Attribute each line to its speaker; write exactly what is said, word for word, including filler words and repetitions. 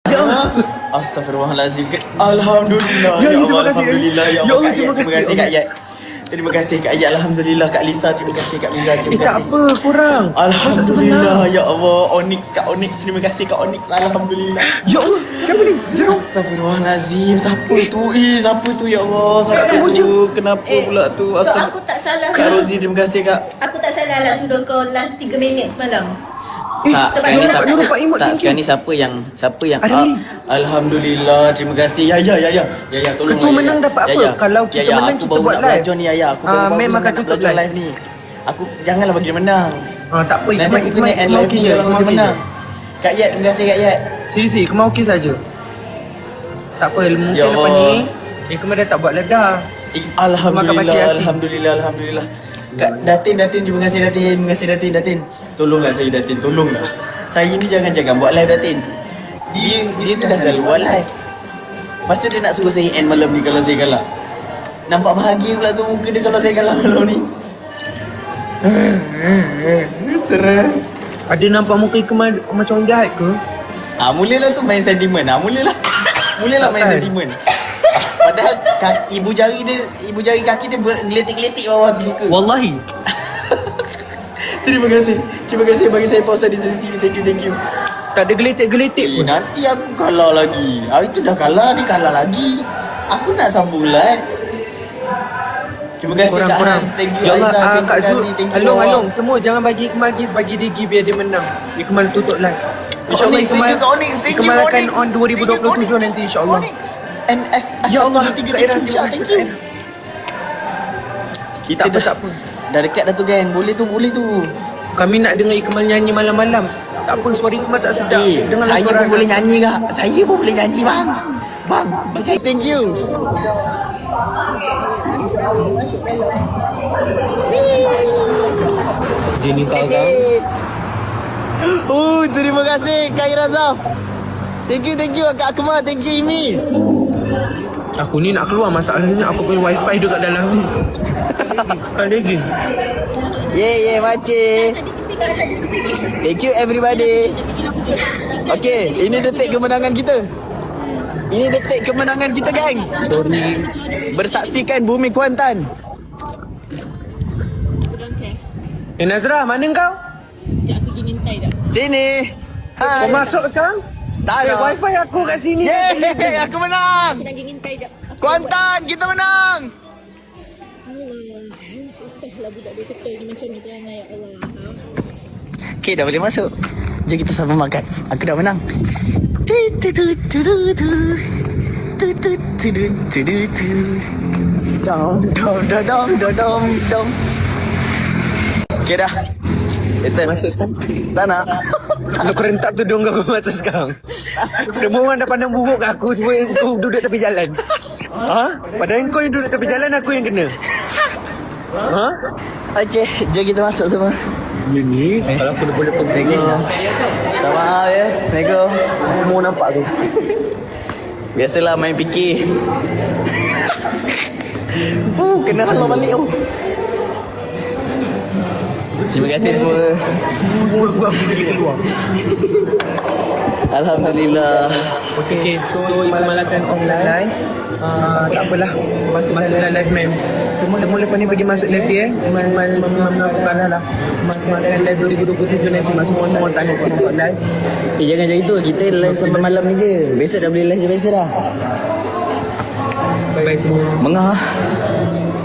Speaker 1: Ya Allah.
Speaker 2: Astaghfirullahalazim. Alhamdulillah.
Speaker 1: Ya,
Speaker 2: Ya
Speaker 1: ya, terima
Speaker 2: Allah,
Speaker 1: kasih.
Speaker 2: alhamdulillah. Ya
Speaker 1: Ya
Speaker 2: Allah,
Speaker 1: Allah,
Speaker 2: Kak
Speaker 1: terima
Speaker 2: Ayat.
Speaker 1: kasih,
Speaker 2: Terima kasih
Speaker 1: ya
Speaker 2: Kak Ayat. Terima kasih Kak Ayat. Alhamdulillah Kak Lisa. Terima kasih Kak Liza. Terima
Speaker 1: Eh tak
Speaker 2: kasih.
Speaker 1: apa kurang. Masa
Speaker 2: Alhamdulillah. Ya Allah. Onyx Kak Onyx. Terima kasih Kak Onyx. Alhamdulillah.
Speaker 1: Ya Allah, siapa ni? Jeruk.
Speaker 2: Astaghfirullahalazim. Siapa tu? Eh, siapa tu ya Allah? Siapa
Speaker 1: Kak Wujud.
Speaker 2: tu? Kenapa
Speaker 3: Eh,
Speaker 2: pula tu?
Speaker 3: So
Speaker 2: Astagfirullah.
Speaker 3: aku tak salah
Speaker 2: Kak
Speaker 3: ke?
Speaker 2: Rozi, terima kasih Kak.
Speaker 3: Aku tak salah lah sudah kau live tiga minit semalam.
Speaker 1: Eh,
Speaker 2: Tak,
Speaker 3: sebab
Speaker 2: sekarang
Speaker 3: dia
Speaker 2: ni
Speaker 3: dapat
Speaker 2: siapa?
Speaker 1: Nurul Pak Imut,
Speaker 2: Tak,
Speaker 1: thank you.
Speaker 2: sekarang ni siapa yang siapa yang
Speaker 1: Ada
Speaker 2: ah,
Speaker 1: ni.
Speaker 2: Alhamdulillah, terima kasih. Ya ya ya ya. Ya ya, tolong.
Speaker 1: Ketua menang dapat apa? Kalau kita menang,
Speaker 2: aku
Speaker 1: kita
Speaker 2: baru
Speaker 1: buat
Speaker 2: nak
Speaker 1: live.
Speaker 2: belajar ni Ayah. Aku
Speaker 1: Ah,
Speaker 2: baru baru
Speaker 1: Mem
Speaker 2: nak
Speaker 1: akan tutup
Speaker 2: belajar
Speaker 1: live.
Speaker 2: live ni. Aku janganlah bagi dia menang.
Speaker 1: Ah, tak apa.
Speaker 2: Nanti aku kena end live ni
Speaker 1: je.
Speaker 2: kalau
Speaker 1: Kemau
Speaker 2: dia
Speaker 1: okey
Speaker 2: menang.
Speaker 1: je.
Speaker 2: Kak Yat, terima kasih Kak Yat.
Speaker 1: Seriously, Kemau okey saja. Tak apa, mungkin
Speaker 2: Ya
Speaker 1: lepas
Speaker 2: Allah.
Speaker 1: ni eh, Kemau dah tak buat ledah.
Speaker 2: Eh, Alhamdulillah,
Speaker 1: Makan pakcik Yasin.
Speaker 2: Alhamdulillah, Alhamdulillah. Kak Datin, Datin, terima kasih Datin, terima kasih Datin, Datin. Tolonglah saya Datin, tolonglah. Saya ni jangan-jangan buat live Datin. Dia dia tu dah selalu buat live. Lepas tu dia nak suruh saya end malam ni kalau saya kalah. Nampak bahagia pula tu muka dia kalau saya kalah malam ni. Stres.
Speaker 1: Ada nampak muka Kemau macam orang jahat ke?
Speaker 2: Ah, mulalah tu main sentimen. Ah, mulalah. Mulalah main
Speaker 1: Takkan.
Speaker 2: sentimen. Padahal kaki, ibu jari dia, ibu jari kaki dia bergeletik-geletik bawah tu suka.
Speaker 1: Wallahi.
Speaker 2: Terima kasih. Terima kasih bagi saya pause tadi dari T V. Thank you, thank you.
Speaker 1: Tak ada geletek-geletek
Speaker 2: Eh,
Speaker 1: pun.
Speaker 2: nanti aku kalah lagi. Ah, itu dah kalah, dia kalah lagi. Aku nak sambung live. Terima kasih Kak
Speaker 1: Korang-korang.
Speaker 2: Hans. Thank you
Speaker 1: Ya Allah,
Speaker 2: Aizah.
Speaker 1: ah,
Speaker 2: Terima
Speaker 1: Kak
Speaker 2: kasih.
Speaker 1: Zul.
Speaker 2: Thank you
Speaker 1: Along,
Speaker 2: Allah.
Speaker 1: along. Semua jangan bagi Kemau gift. Bagi dia gift biar dia menang. Ikmal tutup live. InsyaAllah
Speaker 2: Onyx, thank you, Kak Onyx. Thank you,
Speaker 1: Ikmal akan
Speaker 2: Onyx.
Speaker 1: on dua ribu dua puluh tujuh
Speaker 2: Thank you,
Speaker 1: nanti insyaAllah.
Speaker 2: Onyx. M S
Speaker 1: Ya Allah,
Speaker 2: tiga
Speaker 1: Kak Ira,
Speaker 2: tiga.
Speaker 1: terima
Speaker 2: Thank
Speaker 1: kasih.
Speaker 2: you. Kita
Speaker 1: Tak apa,
Speaker 2: dah,
Speaker 1: tak apa.
Speaker 2: dah dekat dah tu geng. Boleh tu, boleh tu.
Speaker 1: Kami nak dengar Ikmal nyanyi malam-malam. Tak apa, suara Ikmal tak sedap.
Speaker 2: Eh,
Speaker 1: Dengarlah
Speaker 2: saya
Speaker 1: suara
Speaker 2: pun boleh
Speaker 1: Anas.
Speaker 2: nyanyi kak. Saya pun boleh nyanyi bang. Bang, percaya. Thank you.
Speaker 1: Dia ni tahu kan?
Speaker 2: Oh, terima kasih Kak Irazaf. Thank you, thank you Kak Akmal. Thank you Imi.
Speaker 1: Aku ni nak keluar, masalahnya aku punya wifi dekat dalam ni. Tak lagi.
Speaker 2: Yeah, yeah, makcik. Thank you everybody. Okay, ini detik kemenangan kita. Ini detik kemenangan kita, geng.
Speaker 1: Sorry.
Speaker 2: Bersaksikan Bumi Kuantan.
Speaker 1: Eh Nazrah, mana kau?
Speaker 3: Sekejap aku pergi ngintai dah.
Speaker 2: Sini.
Speaker 1: Kau
Speaker 2: Hai.
Speaker 1: masuk sekarang?
Speaker 2: Tak
Speaker 1: Eh,
Speaker 2: ada.
Speaker 1: wifi aku kat sini.
Speaker 2: Yeay, aku menang.
Speaker 3: Aku dah pergi ngintai dah.
Speaker 2: Kuantan, kita menang.
Speaker 3: Allah, susahlah budak dia kata ni macam ni perangai ya Allah.
Speaker 2: Okay, dah boleh masuk. Jom kita sama makan. Aku dah menang. Tu tu tu tu tu tu. Tu tu tu tu tu tu tu. Dom dom dom dom dom dom dom. Okay dah. Kita
Speaker 1: Masuk sekarang.
Speaker 2: tak nak.
Speaker 1: Lu kerentak tudung kau masuk sekarang. Semua orang dah pandang buruk kat aku. Semua yang kau duduk tepi jalan. Ha? Padahal kau yang duduk tepi jalan, aku yang kena. Ha?
Speaker 2: Okay, jom kita masuk semua.
Speaker 1: Ini kalau aku boleh pergi.
Speaker 2: Minta maaf ya. Assalamualaikum.
Speaker 1: Semua nampak tu.
Speaker 2: Biasalah main fikir. Oh, kena halau balik oh. Terima kasih semua.
Speaker 1: Semua aku pergi keluar.
Speaker 2: Alhamdulillah.
Speaker 1: Okay, so Ikmal akan online. Uh, tak apalah. Masuk masuk dalam live mem. Semua mula lepas ni pergi masuk live dia eh. Ikmal Ikmal mengaku kalah lah. Masuk dalam live dua ribu dua puluh tujuh nanti masuk semua tanya kau nampak live.
Speaker 2: Eh, jangan macam itu. Kita live sampai malam ni je. Besok dah boleh live je biasa dah.
Speaker 1: Bye semua.
Speaker 2: Mengah.